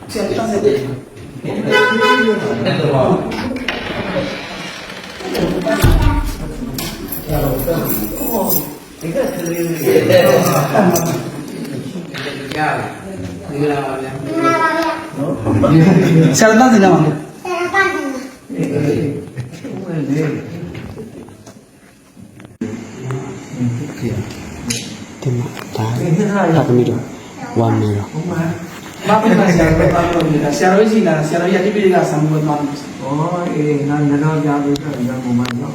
Ma prima si era si era vicina, si era via di piedi da San Buono. Oh, non ho già visto il momento.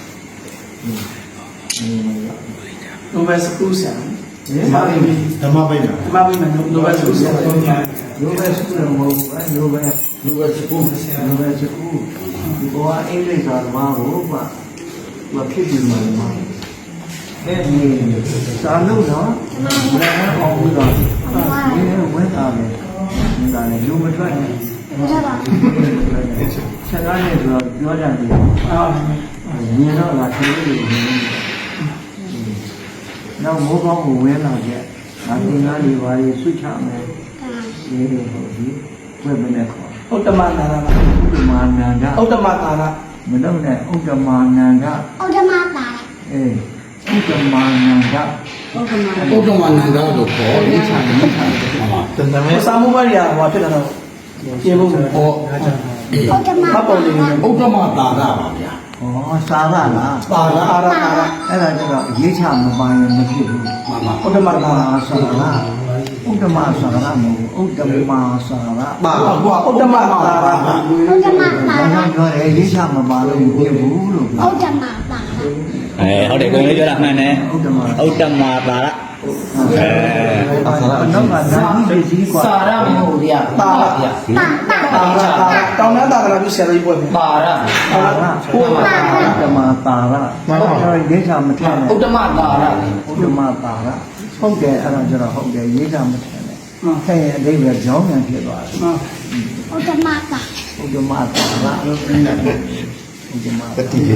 Dove scusa? Ma prima dove scusa? dove scusa dove scusa qua English or maဖြစ်ပြီးမှာအဲဒီစာလုံးတော့ဘယ်နဲ့အောင်ပြီးတော့ဝင်တာလေဒါလည်းလူမထွက်နဲ့ဆက်ကားနဲ့ဆိုတော့ပြောကြတယ်မြင်တော့လာခလေးတွေနောက်မိုးကောင်းကိုဝဲလာကြဒါသင်္ကားတွေပါရေးဆွချမယ်ဒီဟုတ်ဒီဝက်မနဲ့ခေါ်ဥတ္တမနာရဥဒ္ဓမာနန္ဒဥတ္တမတာရမတော့နဲ့ဥဒ္ဓမာနန္ဒဥဒ္ဓမတာရဥဒ္ဓမာနန္ဒဥဒ္ဓမနန္ဒလို့ခေါ်လိချာလိချာတန်တမဲစာမှုဘရိယာဟောဖြစ်လာတော့ပြေဖို့ဟောဥဒ္ဓမမပေါ်နေဥဒ္ဓမတာရပါဗျာဩစာရလားတာရအာရတာရအဲ့ဒါကျတော့ရေးချမပိုင်ရင်မဖြစ်ဘူးမှန်ပါဥတ္တမတာရစာရဥဒ္ဓမာစာရမဟုတ်ဥဒ္ဓမာစာရပါဘွာဥတ္တမတာရဥဒ္ဓမတာဘာရကြောင့်ပြောရဲရေးချမပါလို့မဖြစ်ဘူးလို့ဥဒ္ဓမတာရဟုတ်တယ်ကိုယ်လေးပြောတာမှန်တယ်ဥဒ္ဓမာဥတ္တမတာရနောက်ကဓာတ်ကြီးစည်းกว่าစာရမဟုတ်ဗျာတာရဗျာတာတာတာရတောင်းတာတာပြီးဆရာကြီးပွဲမယ်ပါရစာရဥဒ္ဓမာတာရရေးချမထက်နဲ့ဥတ္တမတာရဥဒ္ဓမာတာရဟုတ်တယ်အဲ့ဒါကျတော့ဟုတ်တယ်ရေးချမထက်နဲ့ထည့်ရင်အဓိပ္ပာယ်ကြောင်းပြန်ဖြစ်သွားတယ်ဥဒ္ဓမတာဥဒ္ဓမာတာရဥဒ္ဓမာတတိယ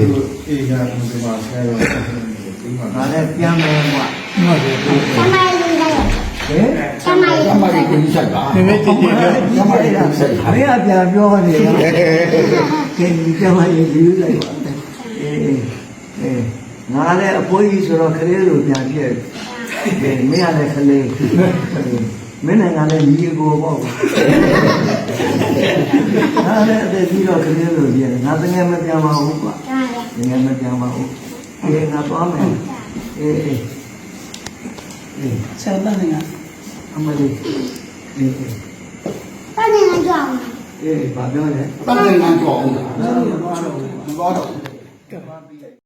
ဒါလည်းပြန်မယ်ကွာသမိုင်းလေးရတယ်ဟဲ့သမိုင်းအမကြီးကိုဆိုင်ပါဒီမဲ့တည်တယ်အမလေးကပြန်ပြောနေတာကဲဒီကျမရေးယူလိုက်ပါအေးငါလည်းအဖိုးကြီးဆိုတော့ခလေးလိုပြန်ပြည့်ကဲမင်းကလည်းခလေးမင်းနဲ့ငါလည်းညီကိုပေါ့ငါလည်းအသက်ကြီးတော့ခလေးလိုပြန်ငါတကယ်မပြန်ပါဘူးကွာတာရတကယ်မပြန်ပါဘူးအေးငါသွားမယ်အေးဆရာတန်းနေအမလေးအေးတာနေငါကြောက်အေးဘာပြောလဲတန်ငန်းကြောအောင်လားတယ်ဘာတော့ကဲ